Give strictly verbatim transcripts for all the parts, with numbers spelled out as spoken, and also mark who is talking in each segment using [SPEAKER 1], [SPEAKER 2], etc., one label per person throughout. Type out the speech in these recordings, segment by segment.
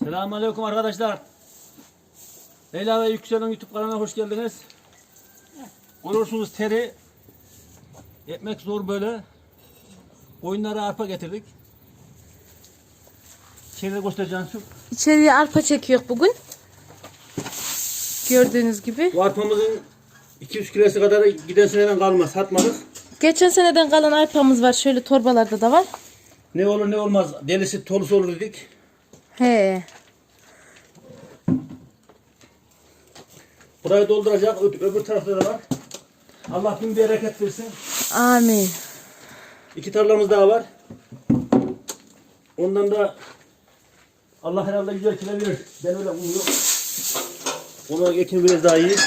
[SPEAKER 1] Selamünaleyküm arkadaşlar. Leyla ve Yüksel'in YouTube kanalına hoş geldiniz. Görüyorsunuz teri. Ekmek zor böyle. Koyunlara arpa getirdik. İçeride göstereceğim şu.
[SPEAKER 2] İçeriye arpa çekiyor bugün. Gördüğünüz gibi.
[SPEAKER 1] Bu arpamızın iki yüz kilosu kadar giden seneden kalma, satmadık.
[SPEAKER 2] Geçen seneden kalan arpamız var. Şöyle torbalarda da var.
[SPEAKER 1] Ne olur ne olmaz, delisi tolusu olur dedik.
[SPEAKER 2] He.
[SPEAKER 1] Burayı dolduracak, Ö- öbür tarafta da var. Allah bin bereket versin.
[SPEAKER 2] Amin.
[SPEAKER 1] İki tarlamız daha var. Ondan da Allah herhalde güzel kilo verir. Ben öyle umuyorum. Onu ekim biraz daha iyi.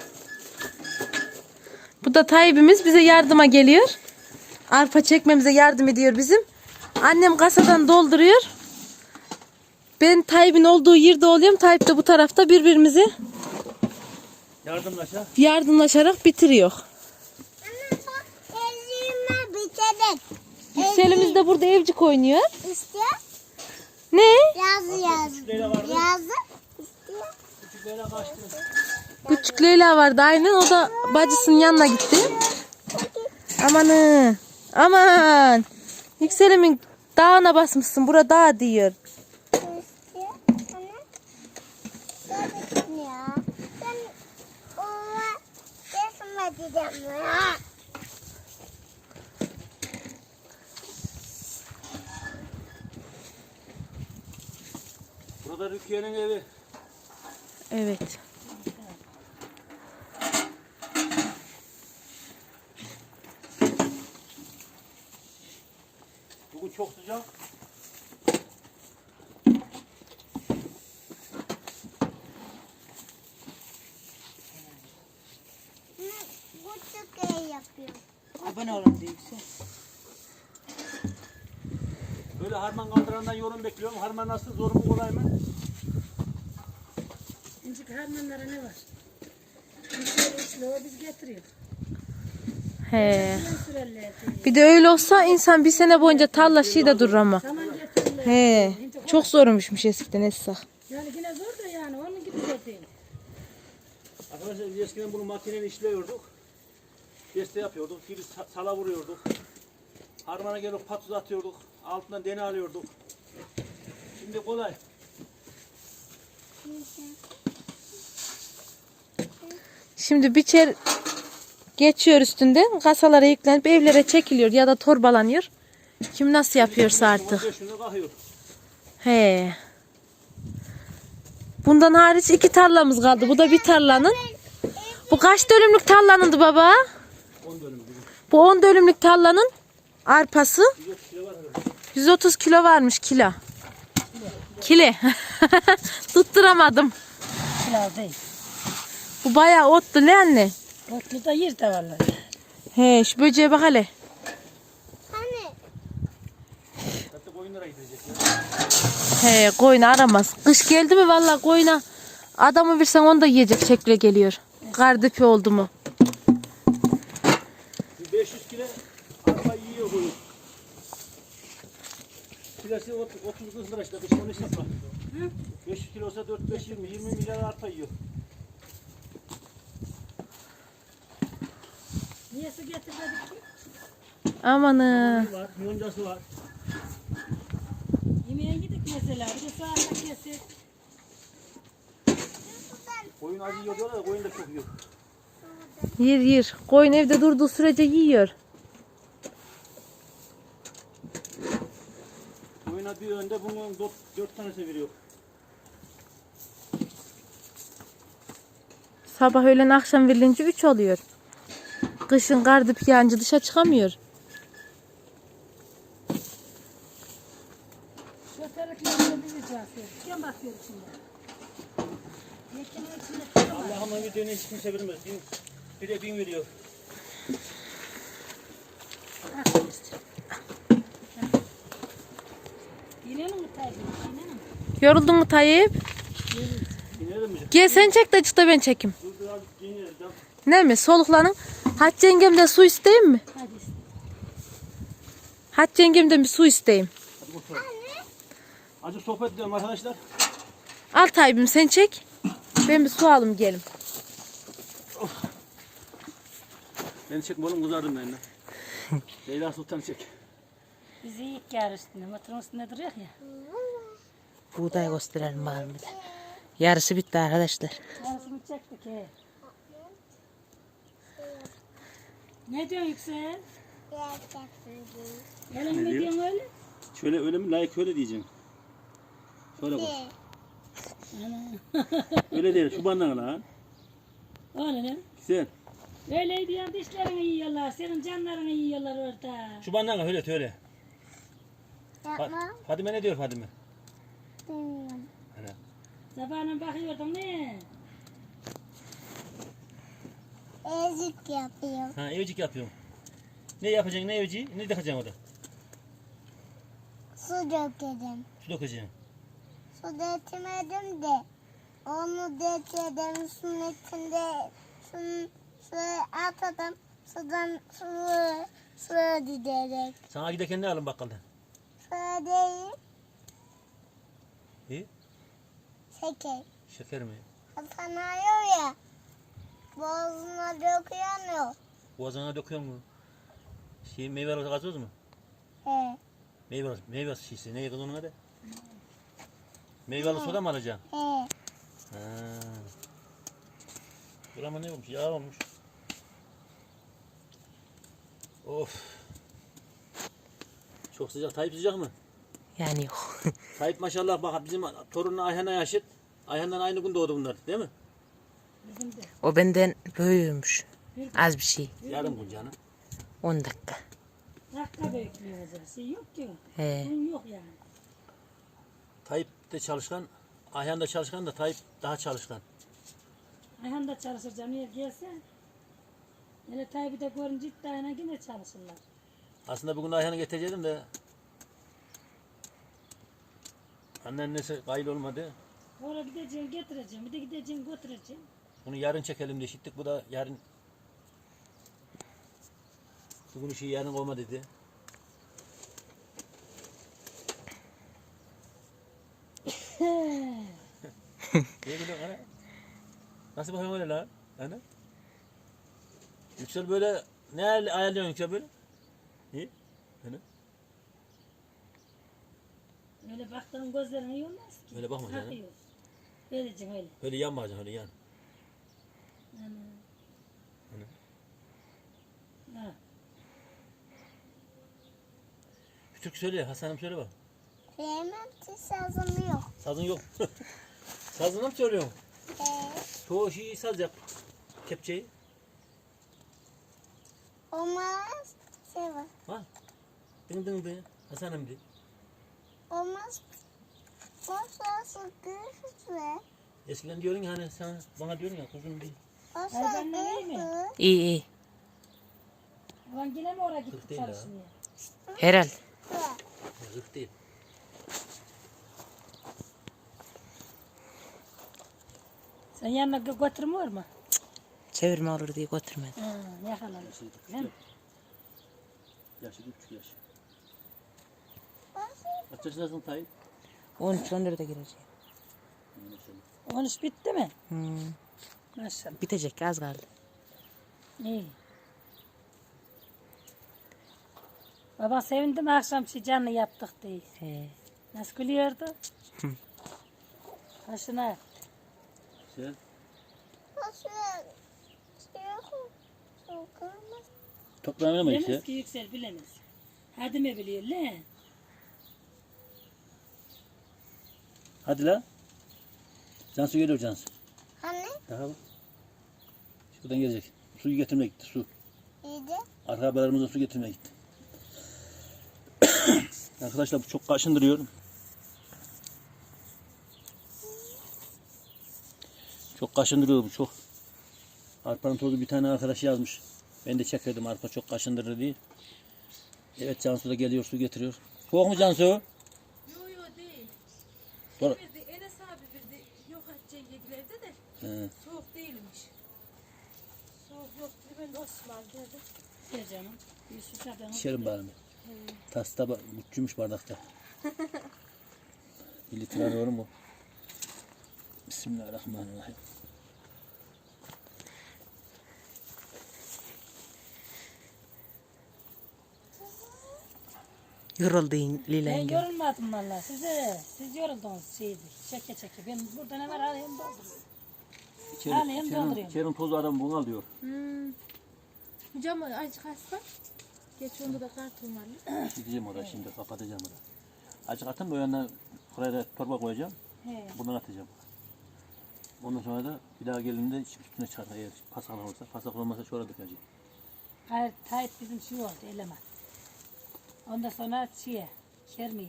[SPEAKER 2] Bu da Tayyip'imiz bize yardıma geliyor. Arpa çekmemize yardım ediyor bizim. Annem kasadan dolduruyor. Ben Tayyip'in olduğu yerde oluyorum. Tayyip de bu tarafta birbirimizi
[SPEAKER 1] Yardımlaşa.
[SPEAKER 2] yardımlaşarak bitiriyor.
[SPEAKER 3] Anne bak elime bitirdik.
[SPEAKER 2] Yükselimiz de burada evcik oynuyor.
[SPEAKER 3] İşte
[SPEAKER 2] Ne?
[SPEAKER 3] yazı yazı.
[SPEAKER 1] Leyla vardı.
[SPEAKER 3] Yazı işte.
[SPEAKER 1] Küçük Leyla kaçtı.
[SPEAKER 2] Küçük Leyla vardı aynen. O da bacısının yanına gitti. Amanı. Aman. Yükselimin dağına basmışsın. Bura dağ diyor.
[SPEAKER 3] İşte anne. Gördün ya. Ben ona resim edeceğim ya.
[SPEAKER 1] Burada Rukiye'nin evi.
[SPEAKER 2] Evet.
[SPEAKER 1] Bugün çok sıcak.
[SPEAKER 3] Bu çok iyi yapıyor.
[SPEAKER 4] Abone olun diye yüksel.
[SPEAKER 1] Böyle harman kaldırandan yorum bekliyorum. Harman nasıl? Zor mu kolay mı?
[SPEAKER 4] İncik harmanlara ne var? Yüksel üçlü o biz getiriyor.
[SPEAKER 2] He.
[SPEAKER 4] Ben sürerler.
[SPEAKER 2] Bir de öyle olsa insan bir sene boyunca tarla şey de durur ama.
[SPEAKER 4] Saman getirirler.
[SPEAKER 2] He. Çok zormuş eskiden Esra.
[SPEAKER 4] Yani yine zor da yani onun gibi de değil.
[SPEAKER 1] Arkadaşlar biz eskiden bunu makineyle işliyorduk. Deste yapıyorduk. Bir sa- sala vuruyorduk. Harmana gelip patuz atıyorduk. Altından dene alıyorduk. Şimdi kolay.
[SPEAKER 2] Şimdi biçer geçiyor üstünden kasalara yüklenip evlere çekiliyor ya da torbalanıyor. Kim nasıl yapıyorsa artık.
[SPEAKER 1] on beş günde kalkıyor.
[SPEAKER 2] He. Bundan hariç iki tarlamız kaldı. Bu da bir tarlanın. Bu kaç dönümlük tarlanındı baba?
[SPEAKER 1] on dönüm gibi.
[SPEAKER 2] Bu on dönümlük tarlanın arpası.
[SPEAKER 1] yüz otuz kilo var herhalde.
[SPEAKER 2] yüz otuz kilo varmış kilo. Kile. Tutturamadım.
[SPEAKER 4] Pilav değil.
[SPEAKER 2] Bu bayağı otlu ne anne?
[SPEAKER 4] Otlu da yer de vallahi.
[SPEAKER 2] He şu böceğe bak hele.
[SPEAKER 3] Hani
[SPEAKER 1] Hatta koyunlara gidecek.
[SPEAKER 2] He koyun aramaz. Kış geldi mi vallahi koyuna adamı versen onu da yiyecek şekle geliyor. Kardepi oldu mu?
[SPEAKER 1] Bir beş yüz kilo arpa yiyor koyun. Kilosu otuz kırk lira işte. Kışın onu hesapla. beş yüz kilo olsa dört beş yirmi. yirmi milyar arpa yiyor.
[SPEAKER 4] Niye su getirmedik ki?
[SPEAKER 2] Amanı.
[SPEAKER 1] var, yoncası var.
[SPEAKER 4] Yemeğe gittik mesela. Bir de soğanla kesip.
[SPEAKER 1] Koyun acı yiyor diyorlar da koyun da çok yiyor.
[SPEAKER 2] Yer yer. Koyun evde durduğu sürece yiyor.
[SPEAKER 1] Koyuna bir önde bunun dört, dört tanesi veriyor.
[SPEAKER 2] Sabah öğlen akşam verilince üç oluyor. Kışın kardip yağınca dışa çıkamıyor.
[SPEAKER 4] Şu taraflarına bir ricası. Kim bakıyor şimdi? Yekenin içinde kim var?
[SPEAKER 1] Allah'ıma bir döne hiç kimse vermez. Bin, bir de bin veriyor.
[SPEAKER 4] İnelim mi tabii? İnelim mi?
[SPEAKER 2] Yoruldun mu Tayyip?
[SPEAKER 1] İnelim mi?
[SPEAKER 2] Gel sen çek de çık da ben çekeyim.
[SPEAKER 1] Dur dur abi giyinelim. Tamam.
[SPEAKER 2] Ne mi? Soluklanın. Hatice yengemden su isteyeyim mi?
[SPEAKER 4] Hadi işte.
[SPEAKER 2] Hatice yengemden bir su isteyeyim.
[SPEAKER 1] Hadi oturalım. Azıcık sohbet edelim arkadaşlar.
[SPEAKER 2] Al Tayyip'im sen çek. Ben bir su alayım gelim.
[SPEAKER 1] Beni çekme oğlum, kızardım ben de. Leyla Sultan çek.
[SPEAKER 4] Bizi ilk yer üstünde. Motorun üstünde duruyor ya.
[SPEAKER 2] Buğday gösterelim bari bir de. Yarısı bitti arkadaşlar.
[SPEAKER 4] Yarısını çektik he. Ne diyorsun Yüksel? Öyle mi
[SPEAKER 1] Ne diyor?
[SPEAKER 4] diyorsun öyle?
[SPEAKER 1] Şöyle öyle mi? Layık öyle diyeceğim. Şöyle koy.
[SPEAKER 4] Ana.
[SPEAKER 1] Öyle değil. Şu bandana lan.
[SPEAKER 4] Öyle mi?
[SPEAKER 1] Güzel.
[SPEAKER 4] Öyle diyorsun dişlerini yiyorlar. Senin canlarını yiyorlar orada.
[SPEAKER 1] Şu bandana öyle öyle. Fa-
[SPEAKER 3] Yapma.
[SPEAKER 1] Fadime ne diyor Fadime?
[SPEAKER 3] Bilmiyorum.
[SPEAKER 1] Hani.
[SPEAKER 4] Sabahına bakıyordum ne?
[SPEAKER 3] Ezik yapıyor.
[SPEAKER 1] Ha, evcik yapıyorum. Ne yapacaksın, ne evciği? Ne dökeceksin orada?
[SPEAKER 3] Su dökerim.
[SPEAKER 1] Su dökeceksin.
[SPEAKER 3] Su dökmedim de onu dökerim. Suyun içinde suyun, suyu atadım. Sudan suyu suya giderek.
[SPEAKER 1] Sana giderken ne alın bakkaldan?
[SPEAKER 3] Suya değil
[SPEAKER 1] İyi.
[SPEAKER 3] şeker.
[SPEAKER 1] Şeker mi?
[SPEAKER 3] Sanıyor ya. Boğazına döküyor.
[SPEAKER 1] Boğazına döküyor mu? Şey, meyve gazoz mu?
[SPEAKER 3] He.
[SPEAKER 1] Meyve, meyve şişesi. Ne yedin onun adı? Meyveli soda mı alacaksın?
[SPEAKER 3] He.
[SPEAKER 1] Ha. Burama ne olmuş? Yağ olmuş. Of. Çok sıcak. Tayyip sıcak mı?
[SPEAKER 2] Yani yok.
[SPEAKER 1] Tayyip maşallah bak bizim torunun Ayhan'a yaşıt. Ayhan'dan aynı gün doğdu bunlar, değil mi?
[SPEAKER 4] Bizim de.
[SPEAKER 2] O benden büyüğümüş. Az bir şey.
[SPEAKER 1] Yarım gün canım.
[SPEAKER 2] on dakika.
[SPEAKER 4] Dakika bekliyor hocam. Şey yok ki.
[SPEAKER 2] He.
[SPEAKER 4] Bunun yok yani.
[SPEAKER 1] Tayyip de çalışkan, Ayhan da çalışkan da Tayyip daha çalışkan.
[SPEAKER 4] Ayhan da çalışır camiye gelse. Hele Tayyip'i de görünce iddiayla yine çalışırlar.
[SPEAKER 1] Aslında bugün Ayhan'ı getirecektim de anneannesi kayıl olmadı.
[SPEAKER 4] Oraya gideceğim getireceğim. Bir de gideceğim götüreceğim.
[SPEAKER 1] Bunu yarın çekelim diye şittik. Bu da yarın bugün işi yarın olma dedi. Niye gülüyorsun ana? Nasıl bakıyorsun öyle lan? Ana? Yüksel böyle ne ayar- ayarlıyorsun Yüksel böyle? İyi. Ana?
[SPEAKER 4] Öyle baktığın gözlerin iyi olmaz ki.
[SPEAKER 1] Öyle bakma canım.
[SPEAKER 4] Bakıyor. Vereceğim öyle.
[SPEAKER 1] Öyle yan bakacaksın, öyle yan.
[SPEAKER 4] Ana.
[SPEAKER 1] Ana.
[SPEAKER 4] Ha.
[SPEAKER 1] Bir türkü söyle, Hasan'ım söyle bak.
[SPEAKER 3] Yemem ki sazım yok.
[SPEAKER 1] Sazın yok. Sazını mı söylüyorsun?
[SPEAKER 3] He.
[SPEAKER 1] Çoğu şeyi saz yap. Kepçeyi.
[SPEAKER 3] Olmaz. Şey var.
[SPEAKER 1] Ha? Dın dın dın. Hasan'ım de.
[SPEAKER 3] Olmaz. Olsa sıkıntı.
[SPEAKER 1] Eskiden diyordun ya hani sen bana diyordun ya kuzum bir.
[SPEAKER 3] Olsa
[SPEAKER 4] Ay, ben de iyi mi?
[SPEAKER 3] sıkıntı.
[SPEAKER 2] İyi iyi.
[SPEAKER 4] Ulan yine mi oraya
[SPEAKER 1] Kırk
[SPEAKER 4] gitti
[SPEAKER 1] değil ha.
[SPEAKER 4] çalışmaya?
[SPEAKER 2] Herhal.
[SPEAKER 1] Yazık değil.
[SPEAKER 4] Sen yanına gö- götürmüyor mu?
[SPEAKER 2] Çevirme olur diye götürmedim.
[SPEAKER 4] Ha, yakalamış.
[SPEAKER 1] Yaşlı
[SPEAKER 4] Değil mi?
[SPEAKER 1] Yaşı bir buçuk yaş.
[SPEAKER 3] Olsa
[SPEAKER 1] Kaç yaşındasın Tayyip?
[SPEAKER 2] on üç on dörde gireceğim.
[SPEAKER 1] Maşallah.
[SPEAKER 4] On iş bitti mi?
[SPEAKER 2] Hmm.
[SPEAKER 4] Maşallah.
[SPEAKER 2] Bitecek az kaldı.
[SPEAKER 4] İyi. Baba sevindim akşam şey canlı yaptık diye.
[SPEAKER 2] He.
[SPEAKER 4] Nasıl gülüyordu? Başına.
[SPEAKER 1] Sen?
[SPEAKER 3] olsa şey yok. Sokulmaz.
[SPEAKER 1] Toprağına mı
[SPEAKER 4] Bilemez
[SPEAKER 1] işte?
[SPEAKER 4] ki Yüksel bilemez. Hadi mi biliyor lan?
[SPEAKER 1] Hadi lan. Cansu geliyor Cansu.
[SPEAKER 3] Hani
[SPEAKER 1] Daha bak. Şuradan gelecek. Suyu getirmeye gitti su.
[SPEAKER 3] iyiydi.
[SPEAKER 1] Arkabalarımıza su getirmeye gitti. Arkadaşlar bu çok kaşındırıyor. Çok kaşındırıyor bu çok. Arpanın tozu bir tane arkadaş yazmış. Ben de çekirdim arpa çok kaşındırır diye. Evet Cansu da geliyor su getiriyor. Soğuk mu Cansu?
[SPEAKER 5] Yo yo değil.
[SPEAKER 1] Sonra...
[SPEAKER 5] Bir de Enes abi bir de yok Hatice yedilerde de
[SPEAKER 1] He.
[SPEAKER 5] soğuk değilmiş. Soğuk yok dedi, ben de Osman dedim.
[SPEAKER 4] Şey canım. Bir susadan.
[SPEAKER 1] İçerim bari mi? Tas taba, bütçümüş bardakta. Bir litre var mı? Bismillahirrahmanirrahim.
[SPEAKER 2] Yoruldun
[SPEAKER 4] Ben
[SPEAKER 2] Lilengin.
[SPEAKER 4] yorulmadım valla. Size, siz yoruldunuz şeydi. Çeke çeke. Ben burada ne var alayım dolduruyorum. Alayım dolduruyorum.
[SPEAKER 1] İçerinin tozu adam bunu alıyor.
[SPEAKER 2] Hmm. Hocam azıcık hasta. Geç onda da karton var.
[SPEAKER 1] Gideceğim oraya şimdi, kapatacağım oraya. Azıcık atın da o yanına buraya da torba koyacağım.
[SPEAKER 4] He.
[SPEAKER 1] Bundan atacağım. Ondan sonra da bir daha geldiğinde üstüne çıkar. Eğer pasak olursa, pasak olmazsa şurada dökeceğim.
[SPEAKER 4] Hayır, Tayyip bizim şey oldu, eleman. Ondan sonra şeye, kermiye.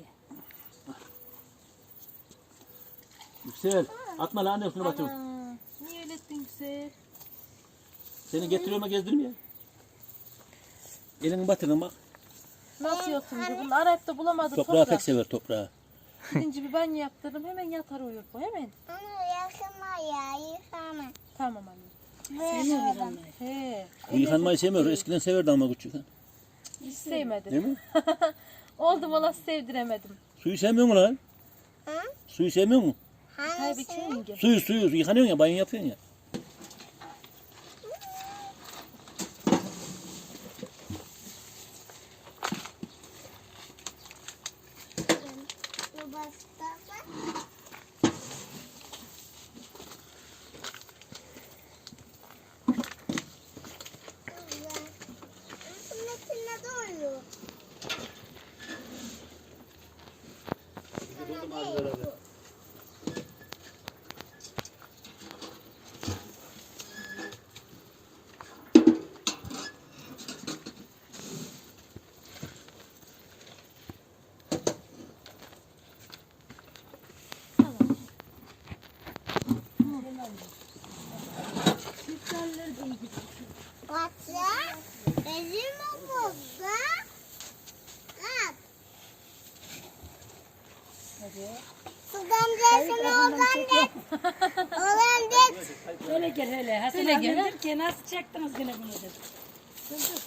[SPEAKER 1] Yüksel, atma lan anne üstüne batır.
[SPEAKER 2] Niye öyle ettin güzel?
[SPEAKER 1] Seni getiriyorum ama gezdirmiyor. Elini batırın bak.
[SPEAKER 2] Nasıl yoksun diye. Bunu arayıp da bulamadı
[SPEAKER 1] Toprağı
[SPEAKER 2] toprak.
[SPEAKER 1] pek sever toprağı.
[SPEAKER 2] Gidince bir banyo yaptırdım. Hemen yatar uyur bu. Hemen.
[SPEAKER 3] Onu yakma ya, yıkama.
[SPEAKER 2] Tamam anne.
[SPEAKER 4] Seviyor yıkanmayı.
[SPEAKER 2] He.
[SPEAKER 1] Bu yıkanmayı sevmiyor. Eskiden severdi ama küçük.
[SPEAKER 2] Hiç sevmedim.
[SPEAKER 1] Değil mi?
[SPEAKER 2] Oldum ola sevdiremedim.
[SPEAKER 1] Suyu sevmiyor mu lan?
[SPEAKER 3] Hı?
[SPEAKER 1] Suyu sevmiyor mu?
[SPEAKER 2] Tabii
[SPEAKER 3] Hangisi?
[SPEAKER 2] ki.
[SPEAKER 1] Suyu suyu yıkanıyorsun ya, banyo yapıyorsun ya.
[SPEAKER 3] Bu başka var. Güzel. Nasıl metine doluyor? Sana değil bu. Batı, bezim mi bozdu? At. Sudan desene oğlan de. Oğlan de.
[SPEAKER 4] Öyle gel hele. Hasan
[SPEAKER 2] Öyle
[SPEAKER 4] abi
[SPEAKER 2] gel,
[SPEAKER 4] dedi ki nasıl çektiniz gene bunu dedi. Sıldır.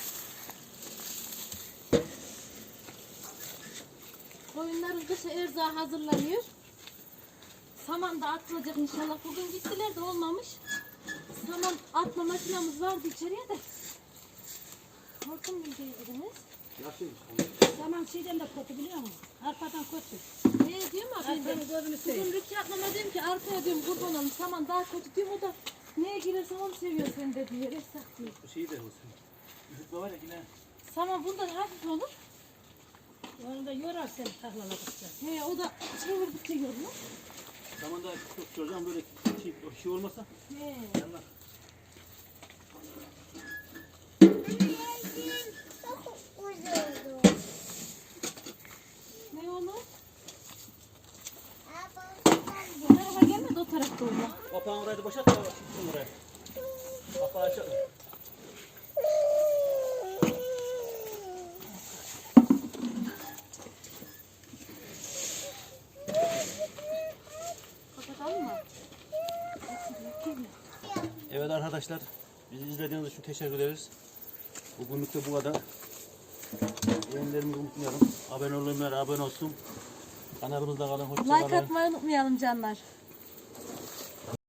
[SPEAKER 2] Koyunların kışa erzağı hazırlanıyor. Saman da atılacak inşallah. Bugün gittiler de olmamış. Saman atma makinamız vardı içeriye de. Hortum mu diyebiliriz?
[SPEAKER 4] Zaman şeyden de kötü biliyor musun? Arpadan kötü.
[SPEAKER 2] Ne diyorum abi?
[SPEAKER 4] Arpanın gözünü seveyim.
[SPEAKER 2] Bugün Rütü ablama dedim ki arkaya diyorum kurban olayım. Saman daha kötü diyorum. O da neye girersen onu seviyor sen de diyor. Esnaf diyor.
[SPEAKER 1] Şeyi de olsun. Üşütme var ya yine.
[SPEAKER 2] Saman bundan hafif olur.
[SPEAKER 4] Onu da yorar seni tahlaladıkça.
[SPEAKER 2] He o da çevirdikçe yorulur.
[SPEAKER 1] Zamanda çok çocuğum böyle şey, şey olmasa
[SPEAKER 2] He.
[SPEAKER 1] yanlar.
[SPEAKER 3] Çok uzundu.
[SPEAKER 2] Ne olur?
[SPEAKER 3] Ablam
[SPEAKER 2] O tarafa gelmedi o tarafta olur.
[SPEAKER 1] Kapağın orayı da boşalt da çıksın oraya. Kapağı açalım.
[SPEAKER 2] Kapatalım mı?
[SPEAKER 1] Evet arkadaşlar, bizi izlediğiniz için teşekkür ederiz. Bugünlük de bu kadar. Beğenilerimizi unutmayalım. Abone olmayanlar abone olsun. Kanalımızda kalın, hoşça
[SPEAKER 2] Like
[SPEAKER 1] kalın.
[SPEAKER 2] atmayı unutmayalım canlar.